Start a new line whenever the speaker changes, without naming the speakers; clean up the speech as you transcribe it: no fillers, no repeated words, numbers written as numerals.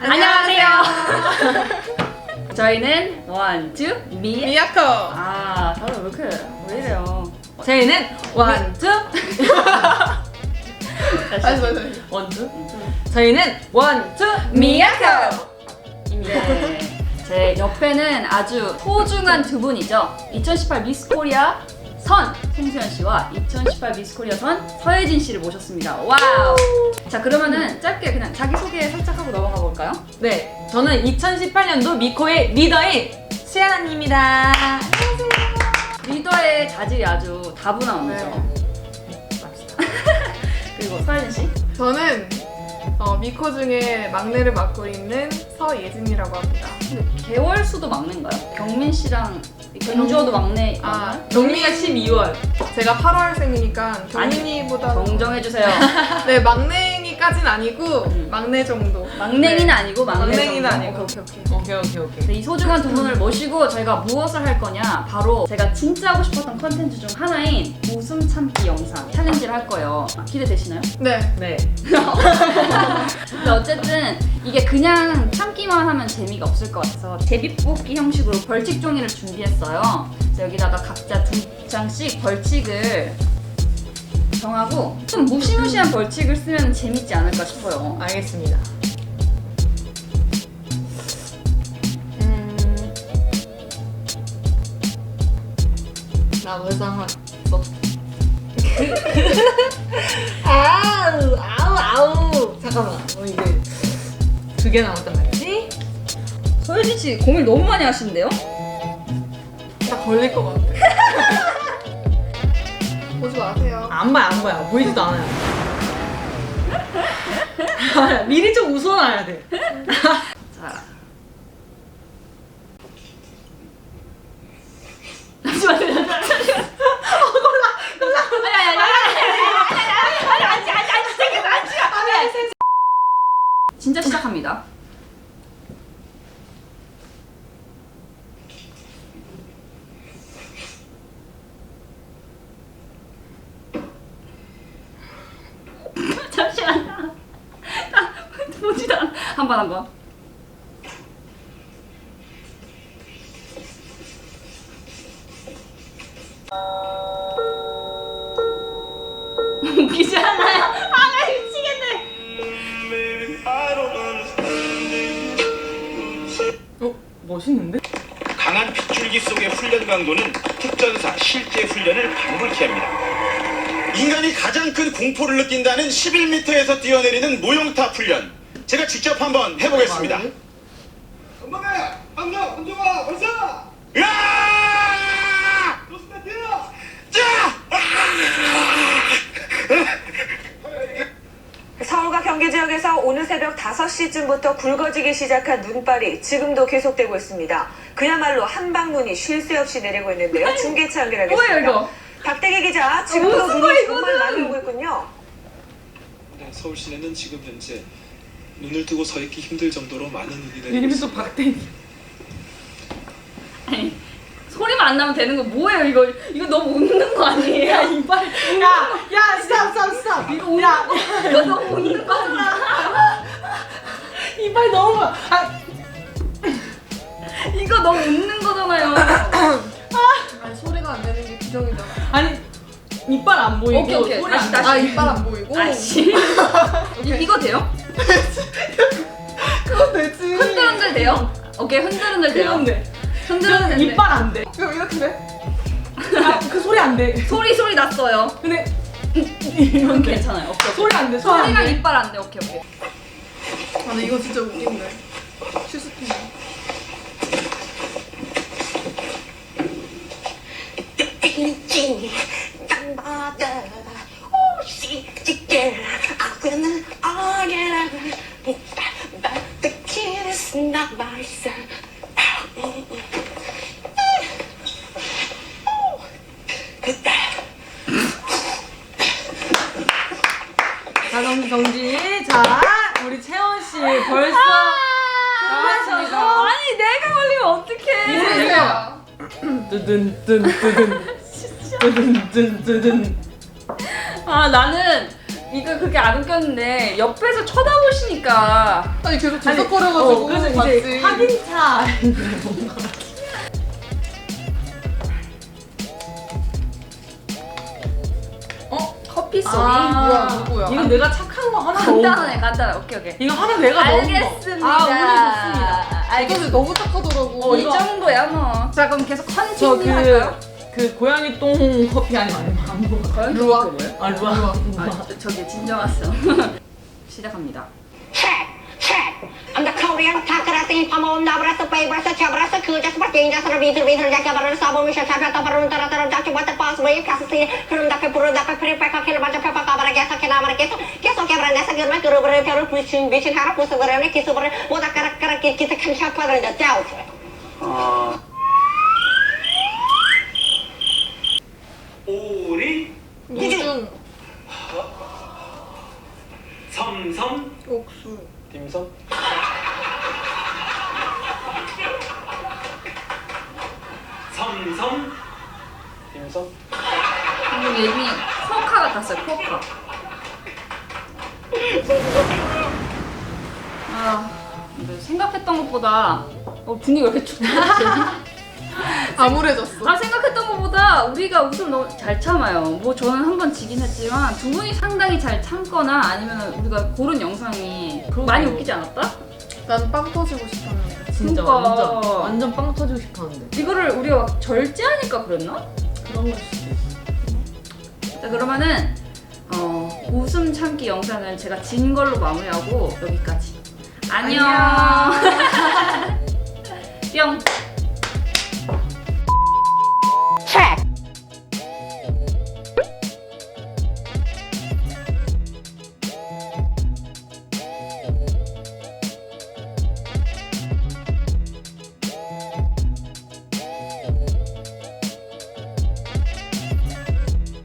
안녕하세요. 저희는 원투
미야코.
아, 다들 왜 이래요?
저희는 원투
다시.
원투 저희는 원투
미야코. 네. 제 옆에는 아주 소중한 두 분이죠. 2018 미스 코리아 선 송수연 씨와 2018 미스 코리아 선 서예진 씨를 모셨습니다. 와우. 자, 그러면은 짧게 그냥 자기 소개 살짝 하고 넘어가 볼까요?
네, 저는 2018년도 미코의 리더인 수연아입니다. 안녕하세요.
리더의 자질이 아주 다분함이죠.
네.
그리고 서예진 씨.
저는 미코 중에 막내를 맡고 있는 서예진이라고 합니다.
근데 개월 수도 막내인가요? 경민 씨랑 경주호도 막내.
아,
경미가 12월.
제가 8월생이니까 경민이보다
정정해주세요.
네, 막냉이까진 아니고 막내 정도.
막냉이는
네.
아니고 막내
막냉이는
정도.
아니고.
오케이.
네, 이 소중한 두 분을 모시고 저희가 무엇을 할 거냐, 바로 제가 진짜 하고 싶었던 컨텐츠 중 하나인 웃음 참기 영상 챌린지를 할 거예요. 기대되시나요?
네.
네.
근데 어쨌든 이게 그냥 참기만 하면 재미가 없을 것 같아서 제비뽑기 형식으로 벌칙 종이를 준비했어요. 그래서 여기다가 각자 2장씩 벌칙을 정하고 좀 무시무시한 벌칙을 쓰면 재밌지 않을까 싶어요.
알겠습니다. 나 벌써 하나 썼어. 아우. 잠깐만. 이게 2개 남았단 말이지?
서예진 씨 고민 너무 많이 하시는데요?
다 걸릴 것 같아. 보지 마세요.
안 봐요. 보이지도 않아요. 미리 좀 웃어놔야 돼.
자. 잠시만요. 진짜 시작합니다. 잠시만요. 보지도 않아. 한번. 웃기지 않아요? 나 미치겠네.
멋있는데?
강한 빗줄기 속의 훈련 강도는 특전사 실제 훈련을 방불케 합니다. 인간이 가장 큰 공포를 느낀다는 11m에서 뛰어내리는 모형탑 훈련. 제가 직접 한번 해보겠습니다. 건방해! 한명! 혼종아! 벌써! 으아! 좋습니다! 뛰어! 자!
서울과 경기 지역에서 오늘 새벽 5시쯤부터 굵어지기 시작한 눈발이 지금도 계속되고 있습니다. 그야말로 한방눈이 쉴 새 없이 내리고 있는데요. 중계차 연결하겠습니다.
뭐예요 이거?
박대기 기자, 지금도
무슨
눈이
거야,
정말
이거는?
많이 오고 있군요.
네, 서울 시내는 지금 현재 눈을 뜨고 서 있기 힘들 정도로 많은 눈이 내리고
이름이 또
있습니다.
박대기.
아니, 소리만 안 나면 되는 거 뭐예요 이거? 이거 너무 웃는 거 아니에요? 이빨.
야, 스탑.
이거 너무 웃는 거 아니야?
이빨 너무.
이거 너무 웃는 거잖아요.
아니, 소리가 안 내는 게 규정이잖아.
아니, 이빨 안 보이고.
오케이.
소리
다시,
안
다시.
아, 이빨 안 보이고.
아씨. 이거 돼요?
그건 되지.
흔들흔들 돼요? 오케이, 흔들흔들 돼요.
그런데
흔들흔들.
이빨 안 돼.
그럼 이렇게 돼?
그 소리 안 돼.
소리 났어요.
근데
이건 괜찮아요. 오케이.
소리 안 돼.
소리랑 이빨 안 돼. 오케이.
아, 근데 이거 진짜 웃긴데. 슈스팅.
땅바다 오시지게 아그는 어게라 But the kid is not my son.
자, 정지. 자, 우리 채원 씨 벌써 나왔습니다.
아니, 내가 걸리면 어떡해.
모르세요.
뜨든.
아, 나는 이거 그렇게 안 웃겼는데 옆에서 쳐다보시니까
아니 계속 들썩거려가지고
그래서 이제
맞지.
확인차.
커피 소리.
뭐야 누구야?
이거 내가 착한 거 하나
간단하네 간단해. 오케이.
이거 하나 내가 넣은 거.
알겠습니다.
아, 오늘 좋습니다.
이것을
알겠습니다.
너무 착하더라고.
이 정도야 뭐. 자 그럼 계속
저
컨티뉴 할까요?
그 고양이 똥 커피 아니면 안 먹어.
과연
루아.
그게 뭐예요?
아 루아.
아, 저기 진정하세요. 시작합니다.
Check. I'm the Korean takarasi pamon nabrasa pabrasa chabrasa kuja seperti yang dasar bitir jaga baru sabun misal sabun atau baru antara dak coba terpas bayi kasih belum dapat puru dapat prepare kakek baca pepa kabar biasa kena mereka keso kabar nasa germa guru baru bikin harap musuh gerene kisu baru mau tak karak kita kan siapa dan jauh.
오리
무중
섬섬
옥수
딤섬?
섬섬
딤섬?
예민이 코카 같았어요. 코카. 아 근데 생각했던 것보다 분위기 왜 이렇게 춥지?
암울해졌어.
아 생각했던 것보다 우리가 웃음 너무 잘 참아요. 뭐 저는 한 번 지긴 했지만 두 분이 상당히 잘 참거나 아니면 우리가 고른 영상이 많이 웃기지 않았다?
난 빵 터지고 싶었는데.
진짜
그러니까.
완전 빵 터지고 싶었는데.
이거를 우리가 막 절제하니까 그랬나?
그런 걸 수도 있어.
자 그러면은 웃음 참기 영상은 제가 진 걸로 마무리하고 여기까지. 안녕.